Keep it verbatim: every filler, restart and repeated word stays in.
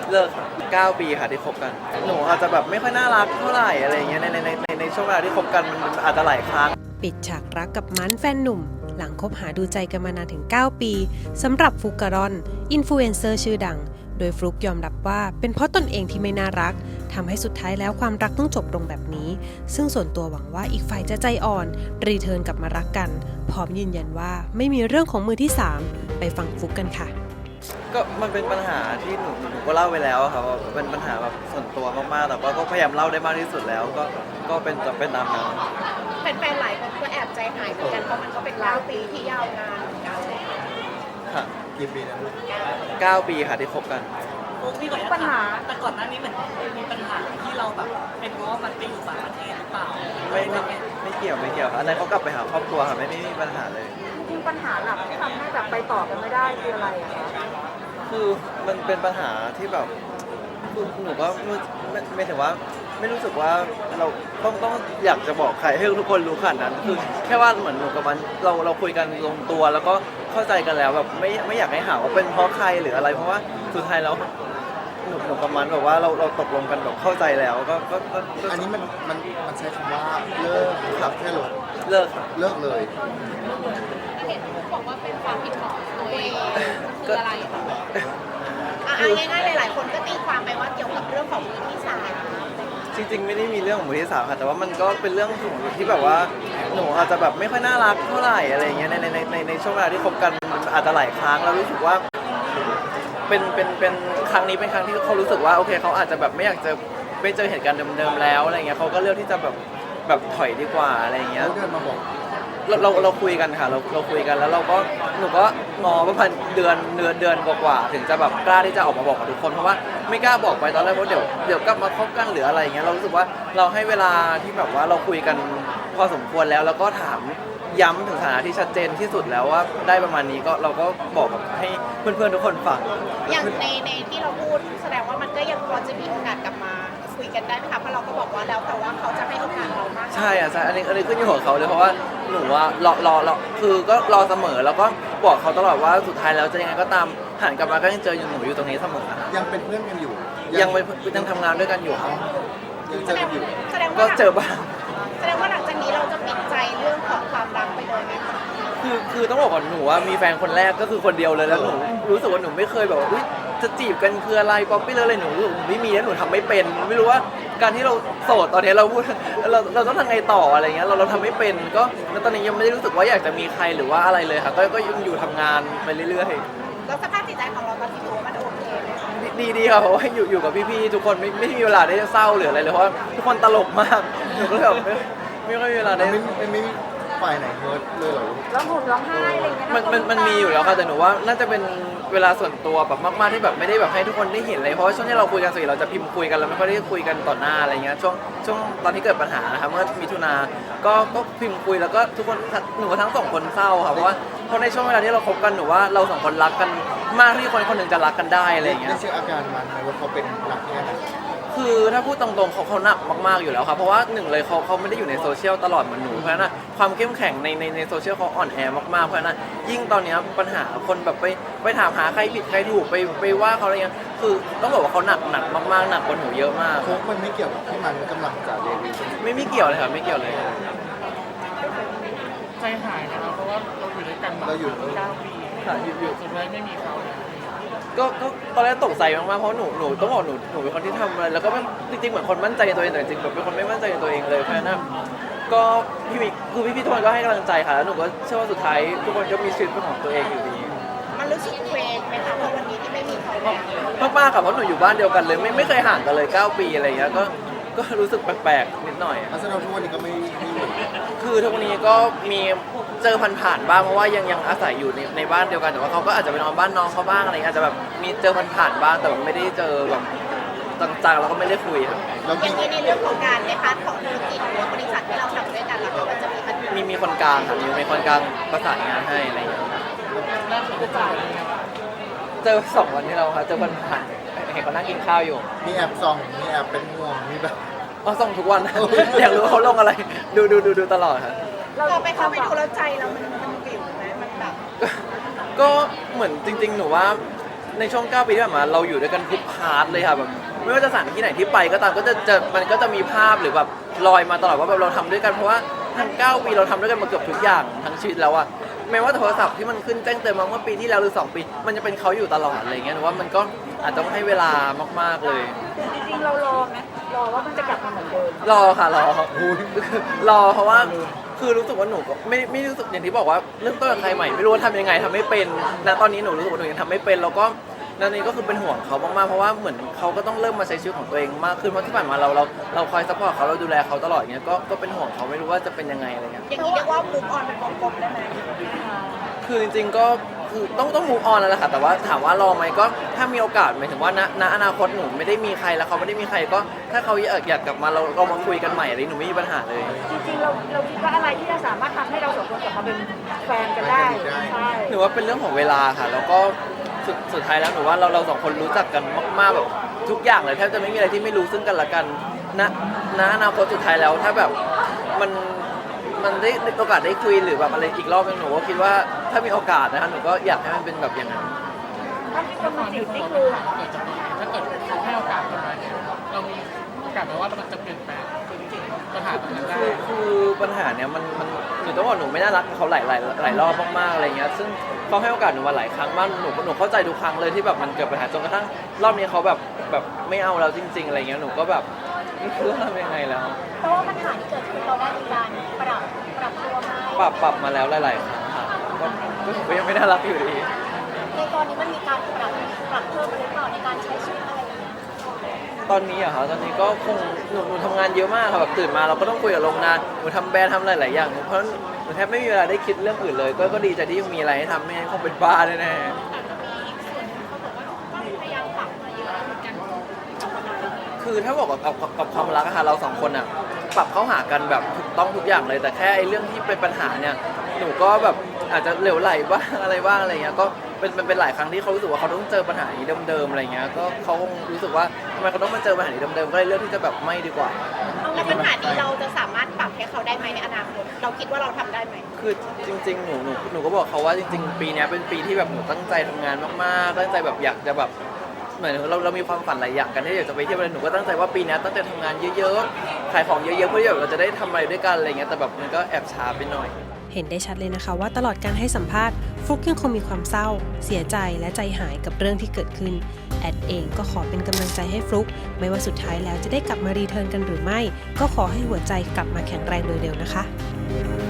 เลิกครับเก้าปีค่ะที่คบกันหนูอาจจะแบบไม่ค่อยน่ารักเท่าไหร่อะไรอย่างเงี้ยในในในในในช่วงเวลาที่คบกันมันอาจจะหลายครั้งปิดฉากรักกับมันแฟนหนุ่มหลังคบหาดูใจกันมานานถึงเก้าปีสำหรับฟลุกการอนอินฟลูเอนเซอร์ชื่อดังโดยฟลุกยอมรับว่าเป็นเพราะตนเองที่ไม่น่ารักทำให้สุดท้ายแล้วความรักต้องจบลงแบบนี้ซึ่งส่วนตัวหวังว่าอีกฝ่ายจะใจอ่อนรีเทิร์นกลับมารักกันพร้อมยืนยันว่าไม่มีเรื่องของมือที่สามไปฟังฟลุกกันค่ะก็มันเป็นปัญหาที่หนูหนูก็เล่าไปแล้วครับว่าเป็นปัญหาแบบส่วนตัวมากๆแต่ว่าก็พยายามเล่าได้มากที่สุดแล้วก็ก็เป็นเป็นตามนั้นแฟนๆหลายคนก็แอบใจหายเหมือนกันเพราะมันก็เป็นเก้าปีที่ยาวนานเหมือนกันค่ะกี่ปีนะเก้าปีค่ะที่คบกันพี่ขออนุญาตปัญหาแต่ก่อนหน้านี้เหมือนมีปัญหาที่เราแบบเป็นเพราะว่ามันไปอยู่ต่างประเทศหรือเปล่าไม่ไม่ไม่เกี่ยวไม่เกี่ยวอันนั้นเขากลับไปหาครอบครัวค่ะไม่ไม่มีปัญหาเลยจริงปัญหาหลักที่ทำให้แบบไปต่อกันไม่ได้คืออะไรอะคะคือมันเป็นปัญหาที่แบบคือหนูก็ไม่ไม่ถึงว่าไม่รู้สึกว่าเราต้องต้องอยากจะบอกใครให้ทุกคนรู้ขนาดนั้นคือแค่ว่าเหมือนหนูกับมันเราเราคุยกันลงตัวแล้วก็เข้าใจกันแล้วแบบไม่ไม่อยากให้หาว่าเป็นเพราะใครหรืออะไรเพราะว่าสุดท้ายแล้วหนูหนูกับมันแบบว่าเราเราตกลงกันแบบเข้าใจแล้วก็ก็ก็อันนี้มันมันมันใช้คำว่าเลิกครับแค่ลดเลิกครับเลิกเลยเห็นบอกว่าเป็นความผิดของตัวเองคืออะไรอ่ะง่ายๆหลายๆคนก็ตีความไปว่าเกี่ยวกับเรื่องของมือที่สามจริงๆไม่ได้มีเรื่องของมือที่สามค่ะแต่ว่ามันก็เป็นเรื่องของที่แบบว่าหนูอาจจะแบบไม่ค่อยน่ารักเท่าไหร่อะไรอย่างเงี้ยในในในในช่วงเวลาที่คบกันมันอาจจะหลายครั้งแล้วรู้สึกว่าเป็นเป็นเป็นครั้งนี้เป็นครั้งที่เขารู้สึกว่าโอเคเขาอาจจะแบบไม่อยากจะไม่เจอเหตุการณ์เดิมๆแล้วอะไรเงี้ยเขาก็เลือกที่จะแบบแบบถอยดีกว่าอะไรเงี้ยเขาเดินมาบอกเราเราเราคุยกันค่ะเราเราคุยกันแล้วเราก็หนูก็งอประมาณเดือนเดือนเดือนกว่าๆถึงจะแบบกล้าที่จะออกมาบอกกับทุกคนเพราะว่าไม่กล้าบอกไปตอนแรกเพราะเดี๋ยวเดี๋ยวกลับมาคบกันหรืออะไรอย่างเงี้ยเรารู้สึกว่าเราให้เวลาที่แบบว่าเราคุยกันพอสมควรแล้วแล้วก็ถามย้ำถึงสถานะที่ชัดเจนที่สุดแล้วว่าได้ประมาณนี้ก็เราก็บอกกับให้เพื่อนๆทุกคนฟังอย่างในในที่เราพูดแสดงว่ามันก็ยังพอจะมีโอกาสกลับมาคุยกันได้ไหมคะเพราะเราก็บอกว่าแล้วแต่ว่าเขาจะให้โอกาสเรามากใช่อ่ะใช่อันนี้อันนี้ขึ้นอยู่กับเขาเลยเพราะว่าหนูว่ารอรอรอคือก็รอเสมอแล้วก็บอกเขาตลอดว่าสุดท้ายแล้วจะยังไงก็ตามหันกลับมาก็ยังเจออยู่หนูอยู่ตรงนี้เสมอยังเป็นเพื่อนกันอยู่ยังเป็นยังทำงานด้วยกันอยู่ครับยังเจอกันอยู่ก็เจอบ้างแสดงว่าหลังจากนี้เราจะปิดใจเรื่องของความรักไปเลยไหมคะคือคือต้องบอกก่อนหนูว่ามีแฟนคนแรกก็คือคนเดียวเลยแล้วหนูรู้สึกว่าหนูไม่เคยแบบว่าจะจีบกันคืออะไรป๊อปปี้เลยอะไรหนูไม่มีแล้วหนูทำไม่เป็นไม่รู้ว่าการที่เราโสดตอนนี้เราพูดเราเราต้องทำไงต่ออะไรเงี้ยเราเราทำไม่เป็นก็ตอนนี้ยังไม่ได้รู้สึกว่าอยากจะมีใครหรือว่าอะไรเลยค่ะก็ก็ยังอยู่ทำงานไปเรื่อยๆแล้วสภาพจิตใจของเราตอนที่ถือว่ามันโอเคไหมคะดีดีครับเพราะว่าอยู่อยู่กับพี่ๆทุกคนไม่ไม่มีเวลาได้เศร้าหรืออะไรเลยเพราะว่าทุกคนตลกมากหนูก็เลยแบบไม่ไม่ค่อยมีเวลาได้ไม่ไม่ไม่ฝ่ายไหนเฮิร์ตเลยเหรอร้องห่มร้องไห้อะไรเงี้ยมันมันมันมีอยู่แล้วค่ะแต่หนูว่าน่าจะเป็นเวลาส่วนตัวแบบมากๆที่แบบไม่ได้แบบให้ทุกคนได้เห็นเลยเพราะว่าช่วงที่เราคุยกันส่วนใหญ่เราจะพิมพ์คุยกันเราไม่ค่อยได้คุยกันต่อหน้าอะไรเงี้ยช่วงช่วงตอนที่เกิดปัญหานะคะเมื่อมิถุนาก็ก็พิมพ์คุยแล้วก็ทุกคนหนูทั้งสองคนเศร้าค่ะเพราะว่าเพราะในช่วงเวลาที่เราคบกันหนูว่าเราสองคนรักกันมากที่คนคนหนึ่งจะรักกันได้อะไรเงี้ยได้เช็คอาการมันไหมว่าเขาเป็นหนักแค่ไหนคือถ้าพูดตรงๆเขาเขาหนักมากๆอยู่แล้วครับเพราะว่าหนึ่งเลยเขาเขาไม่ได้อยู่ในโซเชียลตลอดเหมือนหนูเพราะฉะนั้นความเข้มแข็งในในในโซเชียลเขาอ่อนแอมากๆเพราะฉะนั้นยิ่งตอนนี้ปัญหาคนแบบไปไปถามหาใครผิดใครถูกไปไปว่าเขาอะไรเงี้ยคือต้องบอกว่าเขาหนักหนักมากๆหนักกว่าหนูเยอะมากโค้กมันไม่เกี่ยวกับที่มันกำลังจะเรียนไม่ไม่เกี่ยวเลยครับไม่เกี่ยวเลยใจหายนะครับเพราะว่าเราอยู่ด้วยกันมาเก้าปีค่ะอยู่อยู่สุดท้ายไม่มีเขาก็ก็ตอนแรกตกใจมากๆเพราะหนูหนูต้องบอกหนูหนูเป็นคนที่ทำอะไรแล้วก็จริงๆเหมือนคนมั่นใจในตัวเองแต่จริงๆแบบเป็นคนไม่มั่นใจในตัวเองเลยเพราะฉะนั้นก็พี่มิกคือพี่พี่ทุกคนก็ให้กำลังใจค่ะแล้วหนูก็เชื่อว่าสุดท้ายทุกคนก็มีชีวิตเป็นของตัวเองอยู่ดีมันรู้สึกเคว้งไหมคะเพราะวันนี้ที่ไม่มีเขาแล้วมากๆค่ะเพราะหนูอยู่บ้านเดียวกันเลยไม่ไม่เคยห่างกันเลยเก้าปีอะไรอย่างเงี้ยก็ก็รู้สึกแปลกๆนิดหน่อยแสดงว่าทุกวันนี้ก็ไม่ไม่อยู่คือทุกวันนี้ก็มีเจอผ่านๆบ้างเพราะว่ายังยังอาศัยอยู่ในในบ้านเดียวกันแต่ว่าเขาก็อาจจะไปนอนบ้านน้องเขาบ้างอะไรอาจจะแบบมีเจอผ่านๆบ้างแต่ไม่ได้เจอแบบต่างๆเราก็ไม่ได้คุยครับอย่างนี้ในเรื่องของการในพาร์ทของธุรกิจหรือบริษัทที่เราทำด้วยกันแล้วมันจะมีมีมีคนกลางค่ะมีมีคนกลางประสานงานให้อะไรอย่างเงี้ยเจอสองวันที่เราค่ะเจอผ่านๆเห็นเขานั่งกินข้าวอยู่มีแอบส่องมีแอบเป็นห่วงมีแบบอ๋อส่งทุกวันอยากรู้เขาลงอะไรดูดูดูดูตลอดครับเราไปเข้าไปดูแล้วใจเรามันมันบิ่วไหมมันแบบก็เหมือนจริงๆหนูว่าในช่วงเก้าปีที่ผ่านมาเราอยู่ด้วยกันทุกพาร์ทเลยค่ะแบบไม่ว่าจะสถานที่ไหนที่ไปก็ตามก็จะจะมันก็จะมีภาพหรือแบบลอยมาตลอดว่าแบบเราทำด้วยกันเพราะว่าทั้งเก้าปีเราทำด้วยกันมาเกือบทุกอย่างทั้งชีวิตแล้วอะแม้ว่าโทรศัพท์ที่มันขึ้นแจ้งเตือนมาเมื่อปีที่แล้วหรือสองปีมันจะเป็นเขาอยู่ตลอดอะไรเงี้ยหนูว่ามันก็อาจจะต้องให้เวลามากๆเลยจริงๆเรารอไหมรอว่ามันจะกลับมาเหมือนเดิมรอค่ะรอรอเพราะว่าคือรู้สึกว่าหนูก็ไม่ไม่รู้สึกอย่างที่บอกว่าเริ่มต้นกับใครใหม่ไม่รู้ว่าทำยังไงทำไม่เป็นณตอนนี้หนูรู้สึกว่าหนูยังทำไม่เป็นแล้วก็นั่นนี่ก็คือเป็นห่วงเขามากๆเพราะว่าเหมือนเขาก็ต้องเริ่มมาใช้ชีวิตของตัวเองมากขึ้นเพราะที่ผ่านมาเราเราเราคอยซัพพอร์ตเขาเราดูแลเขาตลอดอย่างเงี้ยก็ก็เป็นห่วงเขาไม่รู้ว่าจะเป็นยังไงอะไรเงี้ยอย่างนี้เรียกว่ามุกออนเป็นวงกลมได้ไหมคือจริงๆก็คือต้องต้องมูฟออนแล้วแหละค่ะแต่ว่าถามว่ารอไหมก็ถ้ามีโอกาสหมายถึงว่าณณอนาคตหนูไม่ได้มีใครแล้วเขาไม่ได้มีใครก็ถ้าเขาอยากอยากกลับมาเราเรามาคุยกันใหม่อะไรหนูไม่มีปัญหาเลยจริงๆเราเราคิดว่าอะไรที่จะสามารถทำให้เราสองคนกลับมาเป็นแฟนกันได้ ใช่หนูว่าเป็นเรื่องของเวลาค่ะ แล้วก็สุดสุดท้ายแล้วหนูว่าเราเราสองคนรู้จักกันมากๆแบบทุกอย่างเลยแทบจะไม่มีอะไรที่ไม่รู้ซึ่งกันและกันณณอนาคตสุดท้ายแล้วถ้าแบบมันมันได้โอกาสได้คุยหรือแบบอะไรอีกรอบนึงหนูก็คิดว่าถ้ามีโอกาสนะคะหนูก็อยากให้มันเป็นแบบอย่างนั้นถ้ามีคนมาจีบนี่คือถ้าเกิดเขาให้โอกาสเราเนี่ยเรามีโอกาสไหมว่ามันจะเปลี่ยนแปลงปัญหาตรงนั้นได้คือคือปัญหาเนี้ยมันมันหนูต้องบอกหนูไม่น่ารักกับเขาหลายหลายหลายรอบมากๆอะไรเงี้ยซึ่งเขาให้โอกาสหนูมาหลายครั้งมากหนูหนูเข้าใจทุกครั้งเลยที่แบบมันเกิดปัญหาจนกระทั่งรอบนี้เขาแบบแบบไม่เอาเราจริง ๆอะไรเงี้ยหนูก็แบบไม่รู้จะทำยังไงแล้วเพราะว่าปัญหาที่เกิดขึ้นเราได้มีการปรับปรับตัวไหมปรับปรับมาแล้วหลายๆครั้งค่ะก็ก็ถือว่ายังไม่น่ารักอยู่ดีในตอนนี้มันมีการปรับปรับเพิ่มหรือเปล่าในการใช้ชีวิตอะไรอย่างเงี้ยตอนนี้อะค่ะตอนนี้ก็คงหนูหนูทำงานเยอะมากค่ะแบบตื่นมาเราก็ต้องคุยกับโรงงานหนูทำแบรนด์ทำหลายๆอย่างเพราะหนูแทบไม่มีเวลาได้คิดเรื่องอื่นเลย ก็ก็ดีใจที่ยังมีอะไรให้ทำไม่งั้นคงเป็นบ้าแน่ๆคือถ้าบอกกับกับกับกับความรักอะค่ะเราสองคนอะปรับเข้าหากันแบบถูกต้องทุกอย่างเลย แต่แค่ไอ้เรื่องที่เป็นปัญหาเนี่ยหนูก็แบบอาจจะเหลวไหลบ้างอะไรบ้างอะไรเงี้ยก็เป็นเป็นเป็นหลายครั้งที่เขารู้สึกว่าเขาต้องเจอปัญหานี้เดิมๆอะไรเงี้ยก็เขาคงรู้สึกว่าทำไมเขาต้องมาเจอปัญหานี้เดิมๆก็เลยเลือกที่จะแบบไม่ดีกว่าแล้วปัญหานี้เราจะสามารถปรับให้เขาได้ไหมในอนาคตเราคิดว่าเราทำได้ไหมคือจริงๆ หนูหนูหนูก็บอกเขาว่าจริงๆ ปีเนี้ยเป็นปีที่แบบหนูตั้งใจทำงานมากๆ ตั้งใจแบบอยากจะแบบเหมือนเราเรามีความฝันหลายอย่างกันที่อยากจะไปเที่ยวอะไรหนูก็ตั้งใจว่าปีเนี้ยตั้งใจทำงานเยอะๆ ขายของเยอะๆ เพื่อที่แบบเราจะได้ทำอะไรด้วยกันอะไรเงี้ย แต่แบบมันก็แอบช้าไปหน่อยเห็นได้ชัดเลยนะคะว่าตลอดการให้สัมภาษณ์ฟลุกยังคงมีความเศร้า เสียใจและใจหายกับเรื่องที่เกิดขึ้น แอดเองก็ขอเป็นกำลังใจให้ฟลุกไม่ว่าสุดท้ายแล้วจะได้กลับมารีเทิร์นกันหรือไม่ ก็ขอให้หัวใจกลับมาแข็งแรงโดยเร็วนะคะ